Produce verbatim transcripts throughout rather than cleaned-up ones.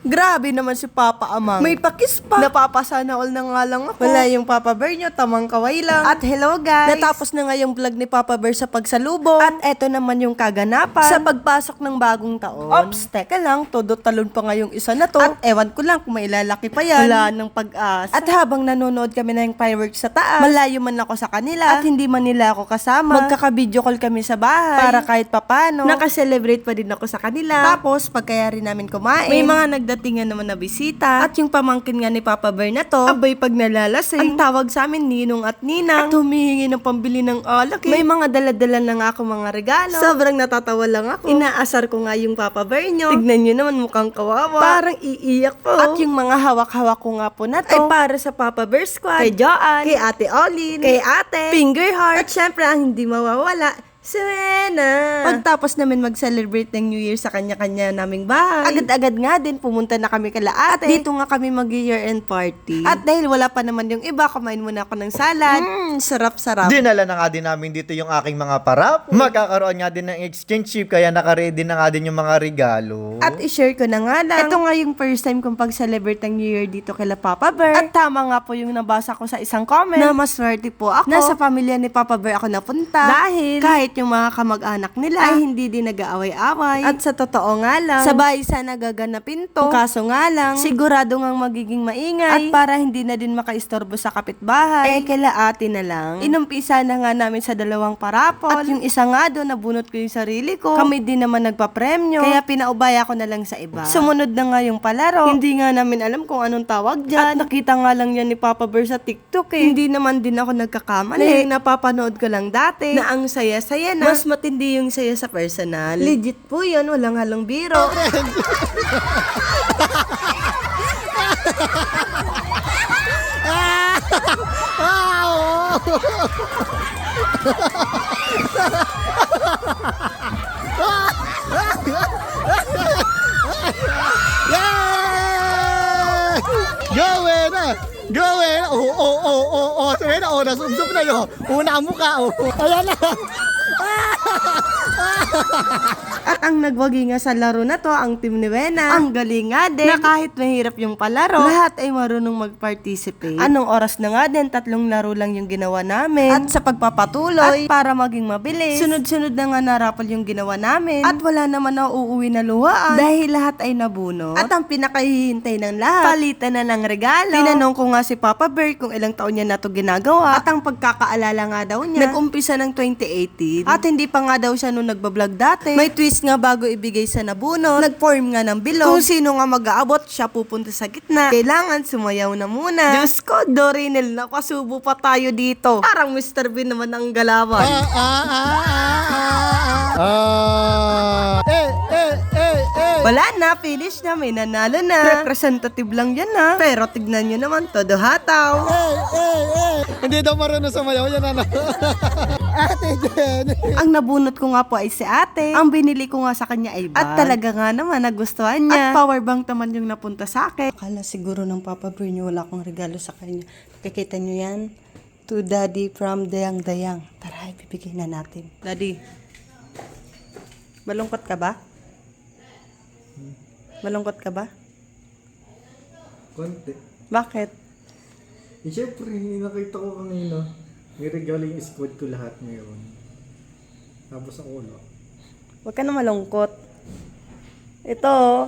Grabe naman si Papa Amang. May pakis pa. Napapasana all na nga lang ako. Wala yung Papa Bear nyo, tamang kaway lang. At hello guys. Natapos na nga yung vlog ni Papa Bear sa pagsalubong. At eto naman yung kaganapan sa pagpasok ng bagong taon. Ops, teka lang, todo talon pa nga yung isa na to. At ewan ko lang kung may lalaki pa yan. Wala ng pag-asa. At habang nanonood kami ng fireworks sa taas, malayo man ako sa kanila at hindi man nila ako kasama, magkaka-video call kami sa bahay para kahit papano nakaselebrate pa din ako sa kanila. Tapos pagkaya rin namin kumain, may mga nagdatingan naman na bisita. At yung pamangkin nga ni Papa Bear na to, abay pag nalalasing, ang tawag sa amin ninong at ninang, at humihingi ng pambili ng alak. May mga daladala na nga ako mga regalo. Sobrang natatawa lang ako. Inaasar ko nga yung Papa Bear nyo. Tignan nyo naman, mukhang kawawa. Parang iiyak po. At yung mga hawak-hawak ko nga po na to ay para sa Papa Bear Squad, kay Joanne, kay Ate Olin, kay Ate Finger Heart, at syempre ang hindi mawawala, Serena. Pagtapos namin mag-celebrate ng New Year sa kanya-kanya naming bahay, agad-agad nga din pumunta na kami kala ate. Dito nga kami mag-year-end party. At dahil wala pa naman yung iba, kumain muna ako ng salad. Mmm, sarap-sarap. Dinala na nga din namin dito yung aking mga parap. Magkakaroon nga din ng exchange trip, kaya naka-ready na nga din yung mga regalo. At i-share ko na nga lang, ito nga yung first time kong pag-celebrate ng New Year dito kila Papa Bear. At tama nga po yung nabasa ko sa isang comment na maswerte po ako na sa pamilya ni Papa Bear ako napunta. Dahil kahit yung mga kamag-anak nila ay hindi din nag-aaway-away. At sa totoo nga lang, sabay sana gaganapin to. Kaso nga lang, sigurado ngang magiging maingay. At para hindi na din makaistorbo sa kapitbahay, eh kila ate na lang. Inumpisa na nga namin sa dalawang parapol. At yung isa nga doon, nabunot ko yung sarili ko. Kami din naman nagpa-premyo. Kaya pinaubaya ko na lang sa iba. Sumunod na nga yung palaro. Hindi nga namin alam kung anong tawag dyan. At nakita nga lang yan ni Papa Bear sa TikTok eh. Hindi naman din ako nagkakamali. Napapanood ko lang dati na ang saya-saya na. Mas matindi yung saya sa personal. Legit po yun, walang halong biro. Gawin na! Gawin na! Oo, oo, oo, oo, oo. Sabi na, oh, nasubsob na yun. Una ang mukha, oh. Ayan na. At ang nagwagi nga sa laro na to, ang team ni Wena. Ang galing nga din na kahit mahirap yung palaro, lahat ay marunong mag-participate. Anong oras na nga din, tatlong laro lang yung ginawa namin. At sa pagpapatuloy, at para maging mabilis, sunod-sunod na nga narapol yung ginawa namin. At wala naman na uuwi na luhaan dahil lahat ay nabunot. At ang pinakahihintay ng lahat, palitan na ng regalo. Tinanong ko nga si Papa Bear kung ilang taon niya na to ginagawa. At ang pagkakaalala nga daw niya, nag-umpisa ng twenty eighteen. At hindi pa nga daw siya nung nagbablog dati. May twist nga bago ibigay sa nabunot. Nag-form nga ng bilog. Kung sino nga mag-aabot, siya pupunta sa gitna. Kailangan sumayaw na muna. Diyos ko, Dorinel, nakasubo pa tayo dito. Parang Mister Bean naman ang galawan. Ah, ah, ah, ah, ah. Ah. Eh, eh, eh, eh. Wala na, finish na, may nanalo na. Representative lang yan na. Pero tignan nyo naman, todo hataw. Eh, eh, eh. Hindi daw marunong sumayaw yan, ano. Ate Jen. Ang nabunot ko nga po ay si ate. Ang binili ko nga sa kanya ay bag. At talaga nga naman, nagustuhan niya. At power bank naman yung napunta sa akin. Akala siguro ng Papa Bear niyo wala akong regalo sa kanya. Nakikita niyo yan? To Daddy from Dayang Dayang. Tara, ibibigay na natin. Daddy, malungkot ka ba? Malungkot ka ba? Konti. Bakit? Eh, syempre, nakita ko kanina. May regalo yung squad ko lahat ngayon. Tapos ako ulo. Huwag ka na malungkot. Ito.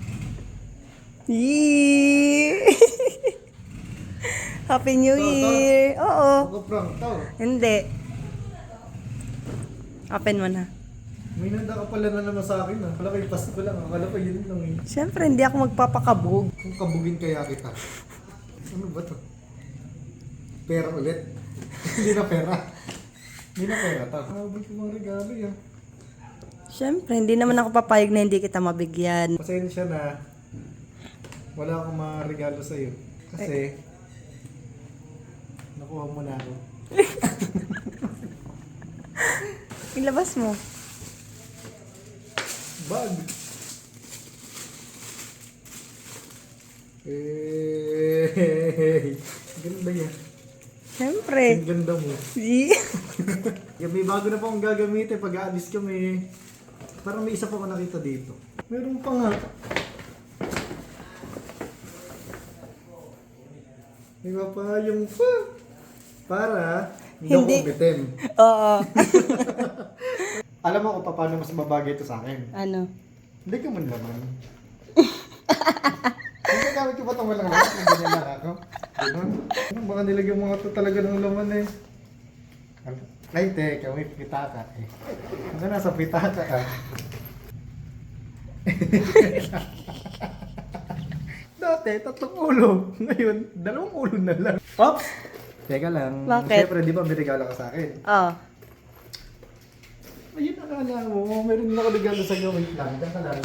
Yee! Happy New Ito, ito. Year! Oo. Ako prank tao. Hindi. Open mo na. May nanda ka pala na naman sa akin ah. Wala kayo pass ko lang. Akala ko yun lang eh. Siyempre, hindi ako magpapakabog. Kung kabugin kaya kita. Ano ba to? Pera ulit? Hindi na pera. Hindi na pera. Takabot yung mga regalo yan. Siyempre, hindi naman ako papayag na hindi kita mabigyan. Pasensya na. Wala akong mga regalo sa'yo. Kasi, nakuha mo na ako. Ilabas mo. Bag! Eh, ganda yan. Siyempre. Ang ganda mo. Yee! Yan, may bago na po akong gagamitin pag aalis kami. Parang may isa pa ako nakita dito. Meron pa nga. May mapayong pa. Para hindi Hindi. ako bitin. Oo. Alam mo kung paano mas babagay ito sa akin. Ano? Hindi ka man laman. Hindi gamit ko ba itong walang laman? Kung ganyan lang ako. Ganun. Ano, baka nilagyan mga ito talaga ng laman eh. Ay, teka, may pitaka eh. Ano nasa pitaka ah? Dati, tatlong ulo. Ngayon, dalawang ulo na lang. Oops! Teka lang. Bakit? Siyempre, di ba may regalo ka sa akin? Oo. Ayun, akala mo. Meron na ako regalo sa iyo. Wait lang. Diyan ka lang.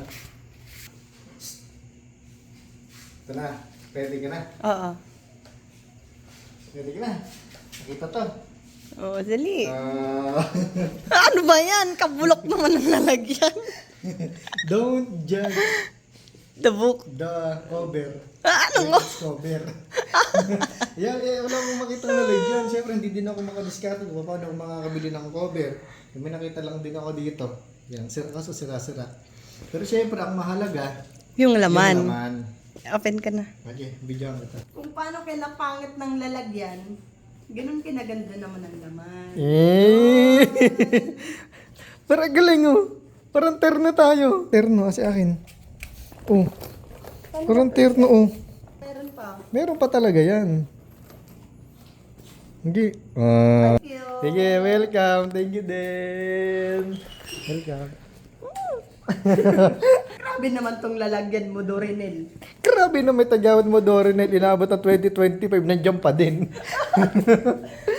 Ito na. Ready ka na? Oo. Ready ka na? Nakita to. Oo, dali. Ah, Ano ba yan? Kabulok naman ang lalagyan. don't judge The book. the cover. Ah, ano mo? It's cover. Yan, eh, wala akong makita ng lalagyan. Siyempre, hindi din ako makadiskarte kung paano ako makakabili ng cover. May nakita lang din ako dito. Yan, sira, kaso sira-sira. Pero siyempre, ang mahalaga, Yung laman. yung laman. Open ka na. Okay, bigyan kita. Kung paano kinapangit ng lalagyan, ganun kinaganda naman ang laman. Eh! Parang galing oh. Parang terno tayo. Terno kasi akin. Oh. Parang terno oh. Meron pa. Meron pa talaga yan. Hindi. Ah. Thank you. Sige, welcome. Thank you din. Welcome. Grabe naman tong lalagyan mo, Dorinel. Grabe na may tagawad mo, Dorinel. Inabot ng twenty twenty-five, nandiyan pa din.